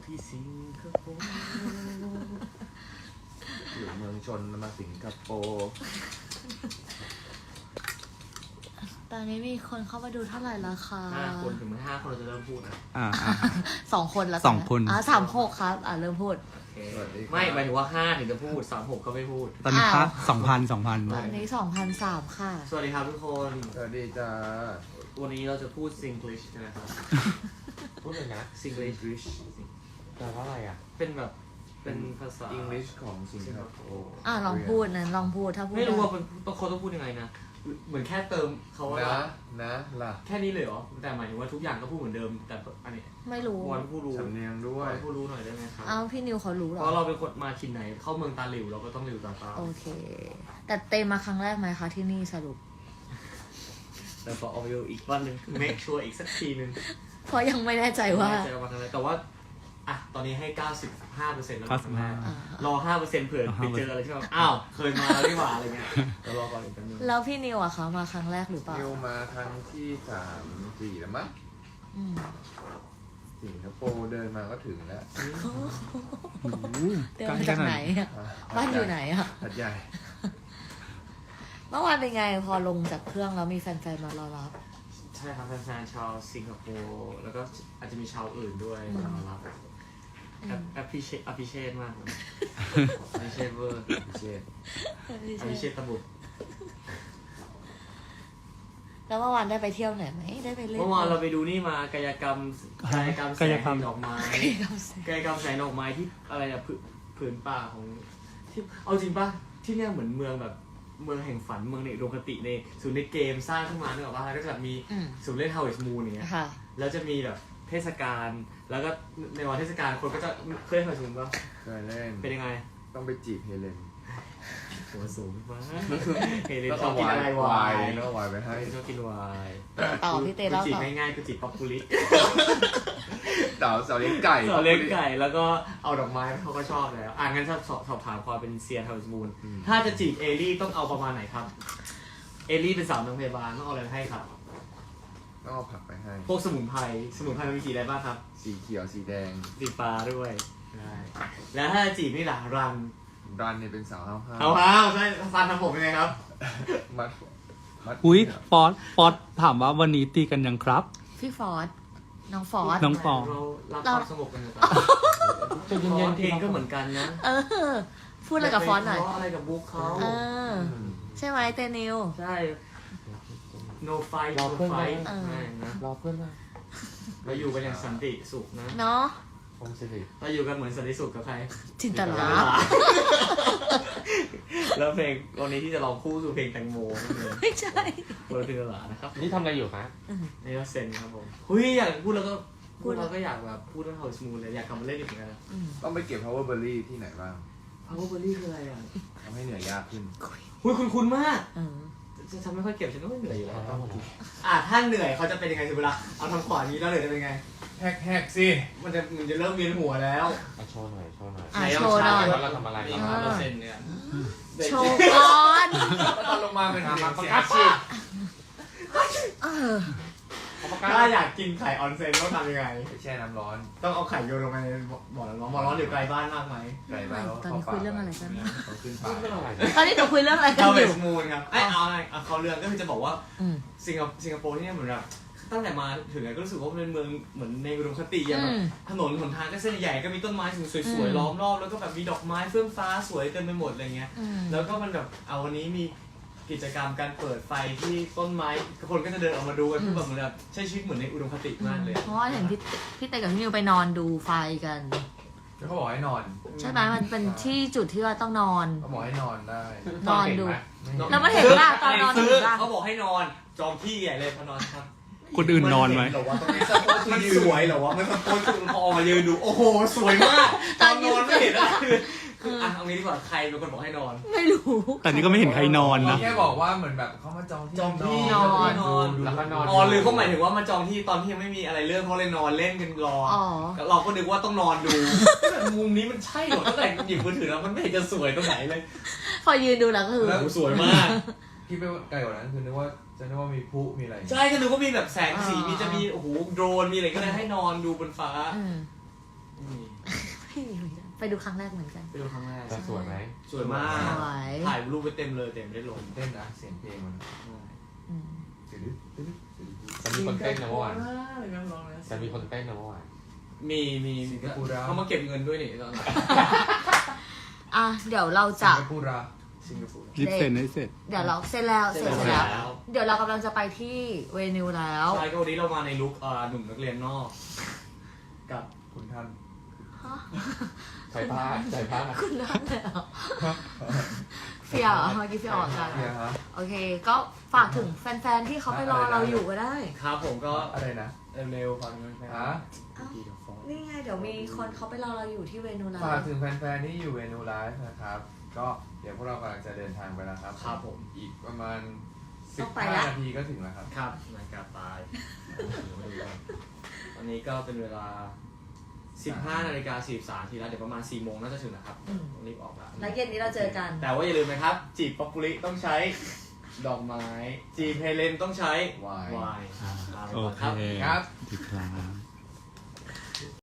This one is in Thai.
ที่สิงคโปร์อยู่เมืองชนมาสิงคโปร์ตอนนี้มีคนเข้ามาดูเท่าไหร่แล้วคะ 5 คนถึงไม่5 คนเราจะเริ่มพูดนะ 2 คนแล้ว 2 คน 36ครับเริ่มพูดไม่หมายถึงว่า5ถึงจะพูด36ก็ไม่พูดตอนนี้ค่า2,000 ตอนนี้2,003ค่ะสวัสดีครับทุกคนสวัสดีจ้าวันนี้เราจะพูด Singlish นะครับพูดเลยนะ Singlish แปลว่าอะไรอ่ะเป็นภาษา English ของสิงคโปร์ลองพูดนะลองพูดถ้าพูดไม่รู้ว่าเขาต้องพูดยังไงนะเหมือนแค่เติมเขาว่านะล่ะแค่นี้เลยเหรอแต่หมายถึงว่าทุกอย่างก็พูดเหมือนเดิมแต่อันนี้ไม่รู้วันผู้รู้สำเนียงด้วยผู้รู้หน่อยได้ไหมครับพี่นิวเขารู้หรอเพราะเราเป็นคนมาถิ่นไหนเข้าเมืองตาหลิวเราก็ต้องหลิวตาโอเคแต่เตมาครั้งแรกไหมคะที่นี่สรุปแต่พอเอาอยู่อีกวันหนึ่ง make sure อีกสักทีนึงเพราะยังไม่แน่ใจว่าแต่ว่าตอนนี้ให้ 95% แล้วรอ 5% เผื่อไปเจออะไรที่แบบเคยมาแล้วดีกว่าอะไรเงี้ยก็รอก่อนอีกนิดนึงแล้วพี่นิวอะคะมาครั้งแรกหรือเปล่านิวมาครั้งที่3 4แล้วมั้งสิงคโปร์เดินมาก็ถึงแล้วเดินมาจากไหนบ้านอยู่ไหนอะหัดใหญ่เมื่อวานเป็นไงพอลงจากเครื่องแล้วมีแฟนๆมารอรับใช่ครับแฟนๆชาวสิงคโปร์แล้วก็อาจจะมีชาวอื่นด้วยมารับappreciate มากเลย appreciate เวอร์ appreciate ตะบุดแล้วเมื่อวานได้ไปเที่ยวไหนไหมได้ไปเล่นเมื่อวานเราไปดูนี่มากายกรรมแสงดอกไม้กายกรรมแสงดอกไม้ที่อะไรอะผืนป่าของที่เอาจริงป่ะที่เนี่ยเหมือนเมืองแบบเมืองแห่งฝันเมืองในอุดมคติในศูนย์ในเกมสร้างขึ้นมาเนอะว่าก็จะแบบมีศูนย์เล่น Harvest Moon อย่างเงี้ยแล้วจะมีแบบเทศกาลแล้วก็ในวันเทศกาลคนก็จะเคยเล่น Harvest Moon ป่ะเคยเล่นเป็นยังไงต้องไปจีบเฮเลนหัวสูงมากเฮเลนชอบกินอะไรวายแล้ววายไปให้ชอบกินวายต่อพี่เต้แล้วจีบง่ายๆคือจีบป๊อปปูลิเสาเลี้ยงไก่แล้วก็เอาดอกไม้เขาก็ชอบแล้วงั้นสอบถามความเป็นเซียน Harvest Moon ถ้าจะจีบเอลี่ต้องเอาประมาณไหนครับเอลี่เป็นสาวโรงพยาบาลต้องเอาอะไรให้ครับต้องเอาผักไปให้พวกสมุนไพรมันมีสีอะไรบ้างครับสีเขียวสีแดงสีฟ้าด้วยแล้วถ้าจีบนี่ล่ะรันเนี่ยเป็นสาวห้าวใช่ฟันทำผมยังไงครับมัดฟอสถามว่าวันนี้ตีกันยังครับพี่ฟอสน้องฟอสน้องปอเราสงบกันอยู่จะเย็นๆเพลงก็เหมือนกันนะพูดอะไรกับฟอสหน่อยอะไรกับบุ๊กเขาใช่ไหมเตนิวใช่ no fight no fight รอเพื่อนมาเราอยู่กันอย่างสันติสุขนะเนาะเราอยู่กันเหมือนสันติสุขกับใครจินตลาแล้วเพลงวันนี้ที่จะร้องคู่คือเพลงแตงโมไม่ใช่คนละจินตลานะครับนี่ทำอะไรอยู่ครับนี่ก็เซนครับผมอยากพูดแล้วก็เราก็อยากแบบพูดเรื่อง Harvest Moon เลยอยากกลับมาเล่นอีกเหมือนกันต้องไปเก็บ Power Berry ที่ไหนบ้าง Power Berry คืออะไรทำให้เหนื่อยยากขึ้นคุ้นมากจะทำไม่ค่อยเก็บฉันก็ไม่เหนื่อยอยู่แล้วถ้าเหนื่อยเขาจะเป็นยังไงเวลาเอาทางขวานี้แล้วเหนื่อยจะเป็นไงแหกสิมันจะเริ่มเวียนหัวแล้วโชว์หน่อยโชว์หน่อยเราทำอะไรเราเซ็นเนี่ยโชว์ก่อนตอนลงมาเป็นประกาศชีถ้าอยากกินไข่ออนเซ็นต้องทำยังไงแช่น้ำร้อนต้องเอาไข่โยนลงไปในบ่อน้ำร้อนอยู่ไกลบ้านมากไหมไกลบ้านตอนนี้คุยเรื่องอะไรกันขึ้นป่าตอนนี้เราคุยเรื่องอะไรกันอยู่มูนครับเขาเรื่องก็คือจะบอกว่าสิงคโปร์ที่นี่เหมือนแบบตั้งแต่มาถึงก็รู้สึกว่าเป็นเมืองเหมือนในอุดมคติอย่างแบบถนนหนทางก็เส้นใหญ่ก็มีต้นไม้สวยๆล้อมรอบแล้วก็แบบมีดอกไม้เฟื่องฟ้าสวยเต็มไปหมดอะไรเงี้ยแล้วก็มันแบบวันนี้มีกิจกรรมการเปิดไฟที่ต้นไม้คนก็จะเดินออกมาดูกันคือแบบเหมือนแบบใช้ชีวิตเหมือนในอุดมคติมากเลยเพราะว่าเห็นพี่เต้กับพี่นิวไปนอนดูไฟกันเขาบอกให้นอนใช่ไหมมันเป็นที่จุดที่ว่าต้องนอนเขาบอกให้นอนได้นอนดูแล้วมันเห็นว่าตอนนอนเขาบอกให้นอนจองที่ใหญ่เลยพอนอนครับคนอื่นนอนไหมหรอว่าตรงนี้สปอร์ตมันสวยหรอวะมันสปอร์ตคือพอมายืนดูโอ้โหสวยมากตอนนอนไม่เห็นอะไรคือเอางี้ดีกว่าใครเป็นคนบอกให้นอนไม่รู้แต่นี่ก็ไม่เห็นใครนอนนะแค่บอกว่าเหมือนแบบเขามาจองที่นอนแล้วก็นอนหรือเขาหมายถึงว่ามาจองที่ตอนที่ยังไม่มีอะไรเรื่องเขาเลยนอนเล่นกันรอเราก็นึกว่าต้องนอนดูมุมนี้มันใช่หรอตั้งแต่หยิบมือถือแล้วมันไม่เห็นจะสวยตรงไหนเลยพอยืนดูแล้วก็คือสวยมากที่ไปไกลกว่านั้นคือนึกว่ามีพลุมีอะไรใช่ก็นึกว่ามีแบบแสงสีมีจะมีโอ้โหโดรนมีอะไรก็เลยให้นอนดูบนฟ้าไม่มีไปดูครั้งแรกเหมือนกันไปดูครั้งแรกจะสวยไหมสวยมากสวยถ่ายรูปไปเต็มเลยเต็มไม่ได้ลงเต้นนะเสียงเพลงมันอืมจะมีคนเต้นนะเมื่อวานอะไรนะร้องนะจะมีคนเต้นนะเมื่อวานมีสิงคโปร์ดาวเขามาเก็บเงินด้วยนี่ตอนนั้นอ่ะเดี๋ยวเราสิจะงคโปร์ราสิงคโปร์รีบเซ็นให้เสร็จเดี๋ยวเราเสร็จแล้วเสร็จแล้ว เดี๋ยวเรากำลังจะไปที่เวนิวแล้วใช่ก็วันนี้เรามาในลุคหนุ่มนักเรียนนอก กับคุณท่านฮะใส่ผ้าใส่ผ้าคุณนั่นเลยเหรอเฟียร์เหรอเมื่อกี้เฟียร์ออกกันเนี่ยฮะโอเค ก็ฝากถึงแฟนๆที่เขาไปรอเราอยู่ก็ได้ครับผมก็อะไรนะเร็วๆฟังกันไปฮะนี่ไงเดี๋ยวมีคนเขาไปรอเราอยู่ที่เวนิวแล้วฝากถึงแฟนๆที่อยู่เวนูไลฟ์นะครับ ก็เดี๋ยวพวกเรากำลังจะเดินทางไปแล้วครับครับผมอีกประมาณต้องไป 15 ละนาทีก็ถึงแล้วครับครับนาฬิกาตายตอนนี้ก็เป็นเวลา 15 นาฬิกา 43 นาทีแล้วเดี๋ยวประมาณ 4 โมงน่าจะถึงนะครับต้องรีบออกแล้วแล้วเย็นนี้เราเจอกันแต่ว่าอย่าลืมนะครับ จีบป๊อปปุริต้องใช้ดอกไม้ จีบเฮเลนต้องใช้ไวน์ไวน์โอเคครับครับดีครับ